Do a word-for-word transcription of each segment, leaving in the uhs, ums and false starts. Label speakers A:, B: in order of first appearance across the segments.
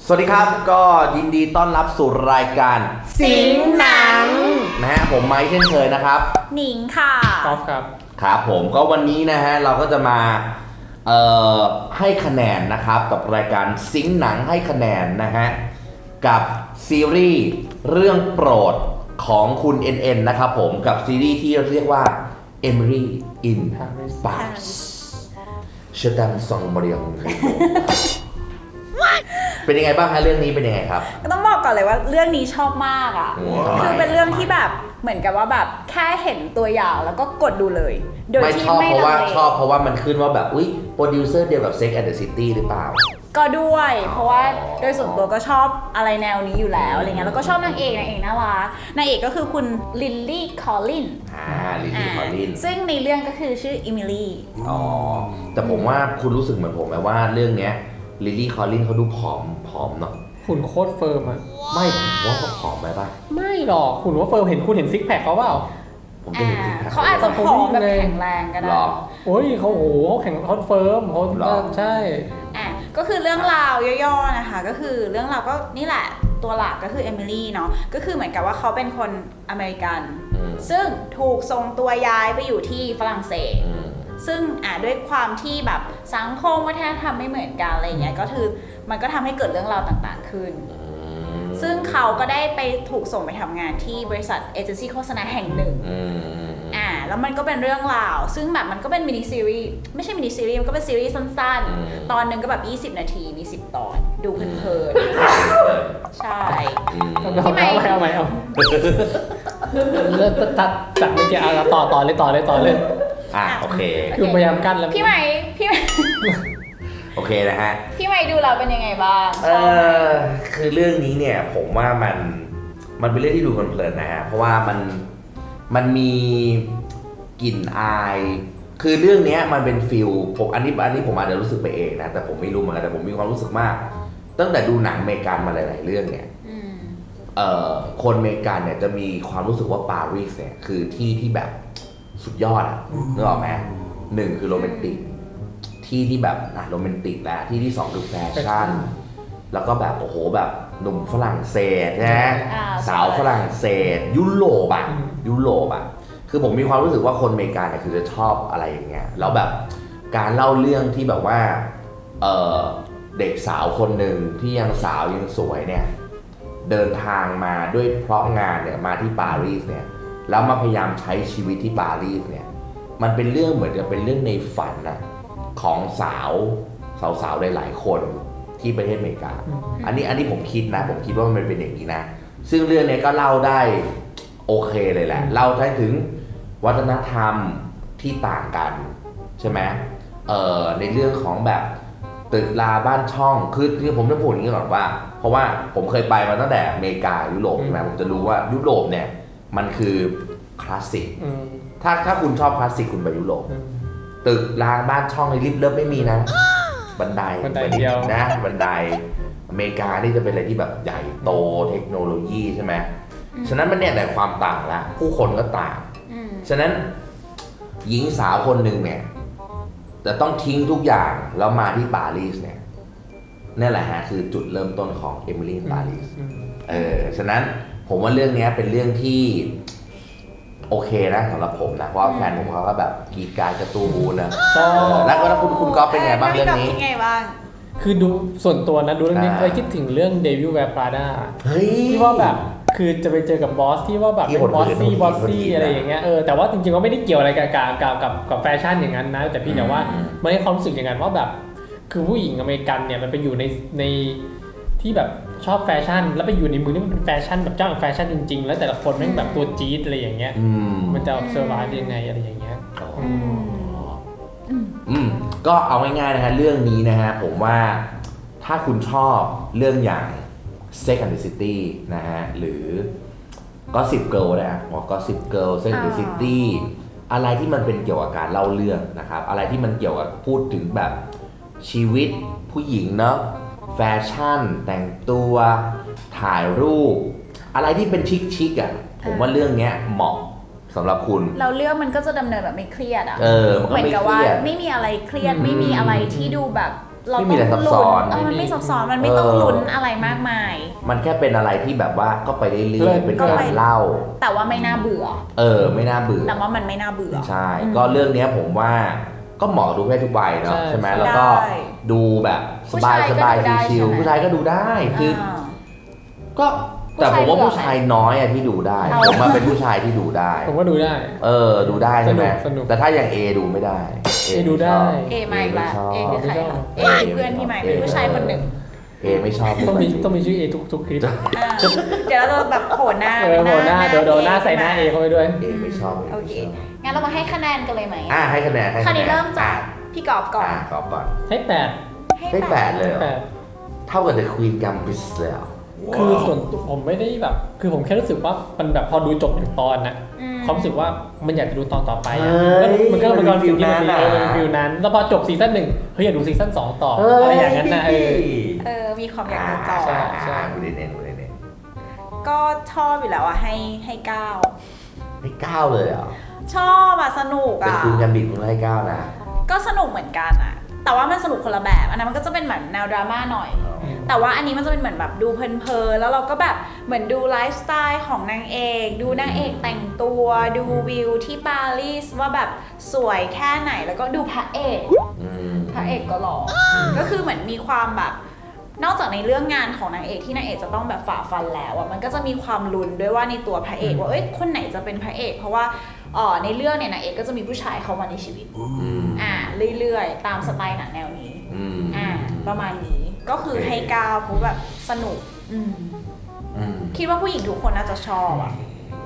A: สวัสดีครับก็ยินดีต้อนรับสู่รายการ
B: สิงหนัง
A: นะฮะผมไมค์เช่นเคยนะครับ
B: หนิงค่ะ
C: กอล์ฟครับ
A: ครับผมก็วันนี้นะฮะเราก็จะมาเอ่อให้คะแนนนะครับกับรายการสิงหนังให้คะแนนนะฮะกับซีรีส์เรื่องโปรดของคุณ เอ็น เอ็น นะครับผมกับซีรีส์ที่เรียกว่า Emily in Paris เชอร์ดัมซองบริยองเป็นยังไงบ้างฮะเรื่องนี้เป็นยังไงครับ
B: ก็ต้องบอกก่อนเลยว่าเรื่องนี้ชอบมากอ่ะคือเป็นเรื่องที่แบบเหมือนกับว่าแบบแค่เห็นตัวอย่างแล้วก็กดดูเลยโดยที่ไม่
A: ชอบเพราะว่าชอบเพราะว่ามันขึ้นว่าแบบอุ๊ยโปรดิวเซอร์เดียวกับ Sex and the City หรือเปล่า
B: ก็ด้วยเพราะว่าโดยส่วนตัวก็ชอบอะไรแนวนี้อยู่แล้วอะไรเงี้ยแล้วก็ชอบนางเอกนางเอกน่ารักนางเอกก็คือคุณลิลลี่คอลลิน
A: อ่าลิลลี่คอลลิน
B: ซึ่งในเรื่องก็คือชื่ออิมิลี่
A: อ๋อแต่ผมว่าคุณรู้สึกเหมือนผมไหมว่าเรื่องเนี้ยลิลลี่คอลลินเขาดูผอมผอมเนาะ
C: หุ่นโคตรเฟิร์มอะ
A: ไม่ผมว่าเขาผอมไปป่ะ
C: ไม่หรอกหุ่นว่าเฟิร์มเห็นคุณเห็นซิกแพคเขาเปล่า
A: ผมไม่เห็นซิกแพค
B: เขาอาจจะผอมแบบแข็งแรงก็ได้
C: โอ้ยเขาโหเขาแข็งเขาเฟิร์มเขาใช่
B: อ่ะก็คือเรื่องราวย่อๆนะคะก็คือเรื่องราวก็นี่แหละตัวหลักก็คือเอมิลี่เนาะก็คือเหมือนกับว่าเขาเป็นคนอเมริกันซึ่งถูกส่งตัวย้ายไปอยู่ที่ฝรั่งเศสซึ่งอ่ะด้วยความที่แบบสังคมวัฒนธรรมไม่เหมือนกันอะไรเงี้ยก็คือมันก็ทำให้เกิดเรื่องราวต่างๆขึ้นซึ่งเขาก็ได้ไปถูกส่งไปทำงานที่บริษัทเอเจนซี่โฆษณาแห่งหนึ่งอ่าแล้วมันก็เป็นเรื่องราวซึ่งแบบมันก็เป็นมินิซีรีส์ไม่ใช่มินิซีรีส์มันก็เป็นซีรีส์สั้นๆตอนหนึ่งก็แบบยี่สิบนาทีมีสิบตอนดูเพลินๆใช่
C: เอาไหมเอาไหมเอาเลิกตัดจัดไม่เกี่ยวต่อต่อเลยต่อเลยต่อเลย
A: อ่ะโอเค
C: คือพยายามกั้นแล้ว
B: พี่ใหม่พี่ใหม่
A: โอเคนะฮะ
B: พี่ใหม่ดูเราเป็นยังไงบ้าง
A: เออคือเรื่องนี้เนี่ยผมว่ามันมันเป็นเรื่องที่ดูเพลินๆนะฮะเพราะว่ามันมันมีกลิ่นอายคือเรื่องนี้มันเป็นฟิลผมอันนี้อันนี้ผมอาจจะรู้สึกไปเองนะแต่ผมไม่รู้เหมือนกันแต่ผมมีความรู้สึกมากตั้งแต่ดูหนังอเมริกันมาหลายๆเรื่องเนี่ยเอ่อคนอเมริกันเนี่ยจะมีความรู้สึกว่าปารีสเนี่ยคือที่ที่แบบสุดยอดอ่ะนึกออกไหมหนึ่งคือโรแมนติกที่ที่แบบอ่ะโรแมนติกแล้วที่ที่สองคือแฟชั่นแล้วก็แบบโอ้โหแบบหนุ่มฝรั่งเศสนะสาวฝรั่งเศสยุโรปอ่ะยุโรปอ่ะคือผมมีความรู้สึกว่าคนอเมริกันเนี่ยคือจะชอบอะไรอย่างเงี้ยแล้วแบบการเล่าเรื่องที่แบบว่าเออเด็กสาวคนหนึ่งที่ยังสาวยังสวยเนี่ยเดินทางมาด้วยเพราะงานเนี่ยมาที่ปารีสเนี่ยแล้วมาพยายามใช้ชีวิตที่ปารีสเนี่ยมันเป็นเรื่องเหมือนกับเป็นเรื่องในฝันนะของสาวสาวๆหลายๆคนที่ประเทศอเมริกาอันนี้อันนี้ผมคิดนะผมคิดว่ามันเป็นอย่างนี้นะซึ่งเรื่องนี้ก็เล่าได้โอเคเลยแหละเล่าได้ถึงวัฒนธรรมที่ต่างกันใช่ไหมเอ่อในเรื่องของแบบตึกราบ้านช่องคือคือผมจะพูดอย่างนี้ก่อนว่าเพราะว่าผมเคยไปมาตั้งแต่อเมริกายุโรปใช่ไหมผมจะรู้ว่ายุโรปเนี่ยมันคือคลาสสิกถ้าถ้าคุณชอบคลาสสิกคุณไปยุโรปตึกรางบ้านช่องในลิฟต์เลิฟไม่มีนะบันได
C: บันไดเดียว
A: นะบันไดอเมริกานี่จะเป็นอะไรที่แบบใหญ่โตเทคโนโลยีใช่ไหมฉะนั้นมันเนี่ยแต่ความต่างละผู้คนก็ต่างฉะนั้นหญิงสาวคนหนึ่งเนี่ยจะต้องทิ้งทุกอย่างแล้วมาที่ปารีสเนี่ยนั่นแหละฮะคือจุดเริ่มต้นของเอมิลี่ปารีสเออฉะนั้นผมว่าเรื่องนี้เป็นเรื่องที่โอเคนะสำหรับผมนะเพราะแฟนผมเขาก็แบบกีดการการ์ตูนนะแล้วก็คุณคุณก๊อฟเป็นไงบ้างเรื่องนี้
B: ไงบ้าง
C: คือดูส่วนตัวนะดูเรื่องนี้เคยคิดถึงเรื่อง Devil Wears Prada ที่ว่าแบบคือจะไปเจอกับบอสที่ว่าแบบเป็นบอสซี่บอสซี่อะไรอย่างเงี้ยเออแต่ว่าจริงๆก็ไม่ได้เกี่ยวอะไรกับกับกับกับแฟชั่นอย่างนั้นนะแต่พี่แต่ว่ามันให้ความรู้สึกอย่างนั้นว่าแบบคือผู้หญิงอเมริกันเนี่ยมันไปอยู่ในในที่แบบชอบแฟชั่นแล้วไปอยู่ในมือนี่มันเป็นแฟชั่นแบบเจ้าของแฟชั่นจริงๆแล้วแต่ละคนแม่งแบบตัวจี๊ดอะไรอย่างเงี้ยมันจะเซอร์ไพรส์ยังไงอะไรอย่างเงี้ย
A: อืมก็เอาง่ายๆนะฮะเรื่องนี้นะฮะผมว่าถ้าคุณชอบเรื่องอย่าง Sex and the City นะฮะหรือ Gossip Girl นะว่า Gossip Girl Sex and the City อะไรที่มันเป็นเกี่ยวกับการเล่าเรื่องนะครับอะไรที่มันเกี่ยวกับพูดถึงแบบชีวิตผู้หญิงเนาะแฟชั่นแต่งตัวถ่ายรูปอะไรที่เป็นชิคๆอ่ะผมว่าเรื่องนี้เหมาะสำหรับคุณ
B: เราเรื่องมันก็จะดำเนินแบบไม่เครียดอ่ะ
A: เออมันก็ไม่เครียด
B: เหมือนกับว่าไม่มีอะไรเครียดไม่มีอะไรที่ดูแบบเรา
A: ไม่มีอะไรซับซ้อน
B: เออมันไม่ซับซ้อนมันไม่ต้องลุ้นอะไรมากมาย
A: มันแค่เป็นอะไรที่แบบว่าก็ไปเรื่อยๆเป็นการเล่า
B: แต่ว่าไม่น่าเบื่อ
A: เออไม่น่าเบื่อ
B: แต่ว่ามันไม่น่าเบื่อ
A: ใช่ก็เรื่องนี้ผมว่าก็เหมาะดูให้ทุกวัยเนาะใช่ไหมแล้วก็ดูแบบสบายสบายชิลๆผู้ชายก็ดูได้คือก็แต่ผมว่าผู้ชายน้อยอะที่ดูได้ผมมาเป็นผู้ชายที่ดูได้
C: ผมว่าดูได้
A: เออดูได้ใช่ไหม
C: สนุก
A: แต่ถ้าอย่าง A ดูไม่ได้
C: A ดูได้
B: เอมาอีกละเอคือใครคะเอคือเพื่อนพี่ใหม่เป็นผู้ชายคนหนึ่ง
A: เอไม่ชอบ
C: ต้องมีต้องมีชื่อ A ทุกทุกคลิป
B: อ่าเดี๋ยวเราจะแบบโผล่หน้า
C: เออโหหน้าเดี๋ยวโดนหน้าใส่หน้า A เข้าไปด้วย
A: เอไม่ชอบ
B: โอเคงั้นเรามาให้คะแนนกันเลยไหม
A: อ่ะให้คะแนนให้
B: ครา
A: คะ
B: ว
A: แน
B: นี้
A: น
B: เริ่มจากพี่กอบก่อน
A: อ่ะกอบก่อน
C: ให้แปด
A: ให้แปดเลยเหรอ
C: แปด
A: เท่ากับ The Queen Gambit เลยเหรอ
C: คือส่วนตัวผมไม่ได้แบบ คือผมแค่รู้สึกว่ามันแบบพอดูจบหนึ่งตอนนะ
B: อืม
C: ความรู้สึกว่ามันอยากจะดูตอนต่อไปอะ
A: เฮ้ย
C: มันก็มันก็
A: มัน
C: ฟิลที่มัน
A: ฟิลนั้น
C: ดี
A: อะ
C: เออมันฟิลนั้น แล้วพอจบซีซั่นหนึ่งเฮ้ยอยากดูซีซั่นสองต่อ
A: เฮ้ย
C: อะไรอย่างนั้นนะเออ
B: เออมีความอยากดูต่อ
C: ใช่ใช่
A: คุณเดนเนคุณเดนเน
B: ก็ชอบอยู่แล้วอะให้ให้เก้า
A: ให้เก้าเลยเหรอ
B: ชอบอะสนุก
A: แต่
B: อะ
A: คุณแกมบิดคุณให้เก้านะ
B: ก็สนุกเหมือนกันอะแต่ว่ามันสนุกคนละแบบอันนั้นมันก็จะเป็นเหมือนแนวดราม่าหน่อย แต่ว่าอันนี้มันจะเป็นเหมือนแบบดูเพลินๆแล้วเราก็แบบเหมือนดูไลฟ์สไตล์ของนางเอกดูนางเอกแต่งตัวดูวิวที่ปารีสว่าแบบสวยแค่ไหนแล้วก็ดูพระเอก
A: อืม
B: พระเอกก็หล่อก็คือเหมือนมีความแบบนอกจากในเรื่องงานของนางเอกที่นางเอกจะต้องแบบฝ่าฟันแล้วอ่ะมันก็จะมีความลุ้นด้วยว่าในตัวพระเอกว่าเอ้ยคนไหนจะเป็นพระเอก เพราะว่าอ๋อในเรื่องเนี่ยนางเอกก็จะมีผู้ชายเข้ามาในชีวิต
A: อืม
B: อ่าเรื่อยๆตามสไตล์หนังแนวนี้
A: อืม
B: อ่าประมาณนี้ก็คือให้ก้าวเพราะแบบสนุกอืม
A: อืม
B: คิดว่าผู้หญิงทุกคนน่าจะชอบอ่ะ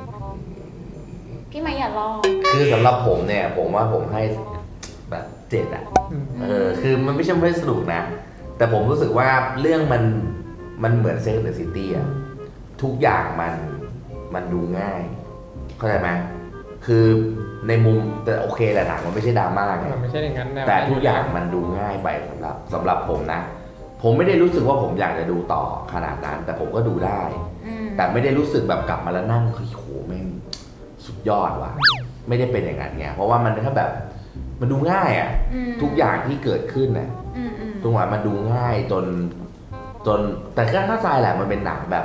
B: พี่ไม่อย่าลอก
A: คือสำหรับผมเนี่ย ผมว่าผมให้แบบเจ็ดอ่ะ
C: อืม
A: เออ คือมันไม่ใช่ไม่สนุกนะ แต่ผมรู้สึกว่าเรื่องมันมันเหมือนเซ็กซ์เดอะซิตี้อ่ะ ทุกอย่างมันมันดูง่าย เข้าใจไหมคือในมุมแต่โอเคแหละหนังมันไม่ใช่ดราม่าไง
C: มันไม่ใช่อย่างนั้นนะ
A: แต่ทุกอย่างมันดูง่ายไปสำหรับสำหรับผมนะ ผมไม่ได้รู้สึกว่าผมอยากจะดูต่อขนาดนั้น แต่ผมก็ดูได้
B: อืม
A: แต่ไม่ได้รู้สึกแบบกลับมาแล้วนั่งเฮ้ยโหแม่งสุดยอดว่ะ ไม่ได้เป็นอย่างนั้นไงเพราะว่ามันแค่แบบมันดูง่ายอ่ะ
B: อืม
A: ทุกอย่างที่เกิดขึ้นน่ะ
B: อืมอืม
A: ตรงว่ามันดูง่ายจนจนแต่ก็เข้าใจแหละมันเป็นหนังแบบ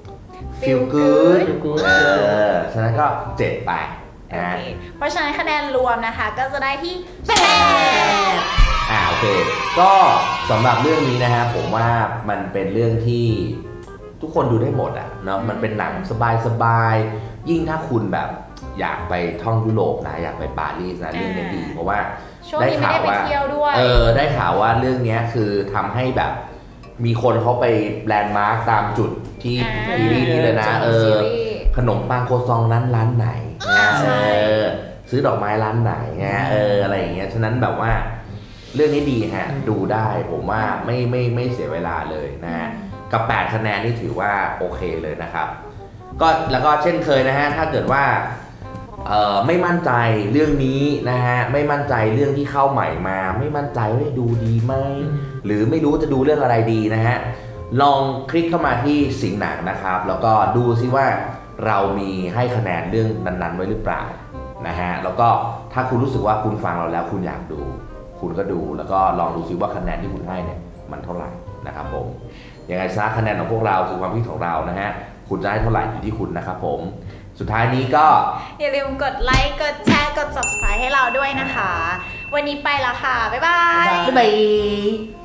A: feel good เออฉะนั้นก็เจ็ดไป
B: โอ
A: นะ
B: เคเพราะฉะนั้นคะแนนรวมนะคะ ก็จะได้ที่แปด
A: อ่าโอเค ก็สำหรับเรื่องนี้นะฮะผมว่ามันเป็นเรื่องที่ทุกคนดูได้หมดอ่ะเนาะมันเป็นหนังสบายๆยิ่งถ้าคุณแบบอยากไปท่องยุโรปนะอยากไปปารีสนะเรื่องนี้ดีเพราะว่า
B: ช่วงนี้ไม่ได้ไปเที่ยวด้วย
A: เออได้ข่าวว่าเรื่องเนี้ยคือทำให้แบบมีคนเขาไปแลนด์มาร์คตามจุดที่
B: อ่า
A: ซีรีส์นี้เลยนะเออ
B: ซีรีส์
A: ขนมปังโคซองร้านร้านไหน
B: อ่าใช่
A: เออซื้อดอกไม้ร้านไหนไงเอออะไรอย่างเงี้ยฉะนั้นแบบว่าเรื่องนี้ดีฮะดูได้ผมว่าไม่ไม่ไม่เสียเวลาเลยนะฮะกับแปดคะแนนนี่ถือว่าโอเคเลยนะครับก็แล้วก็เช่นเคยนะฮะถ้าเกิดว่าเอ่อไม่มั่นใจเรื่องนี้นะฮะไม่มั่นใจเรื่องที่เข้าใหม่มา ไม่มั่นใจว่าดูดีไหมหรือไม่รู้จะดูเรื่องอะไรดีนะฮะลองคลิกเข้ามาที่สิงหนังนะครับแล้วก็ดูซิว่าเรามีให้คะแนนเรื่องนั้นๆไว้หรือเปล่านะฮะแล้วก็ถ้าคุณรู้สึกว่าคุณฟังเราแล้วคุณอยากดู คุณก็ดูแล้วก็ลองดูซิว่าคะแนนที่คุณให้เนี่ยมันเท่าไหร่นะครับผมยังไงซะคะแนนของพวกเราคือความคิดของเรานะฮะคุณจะให้เท่าไหร่อยู่ที่คุณนะครับผมสุดท้ายนี้ก็
B: อย่าลืมกดไลค์กดแชร์กด ซับสไครบ์ ให้เราด้วยนะคะ วันนี้ไปแล้วค่ะ บ๊ายบาย
A: บ๊ายบาย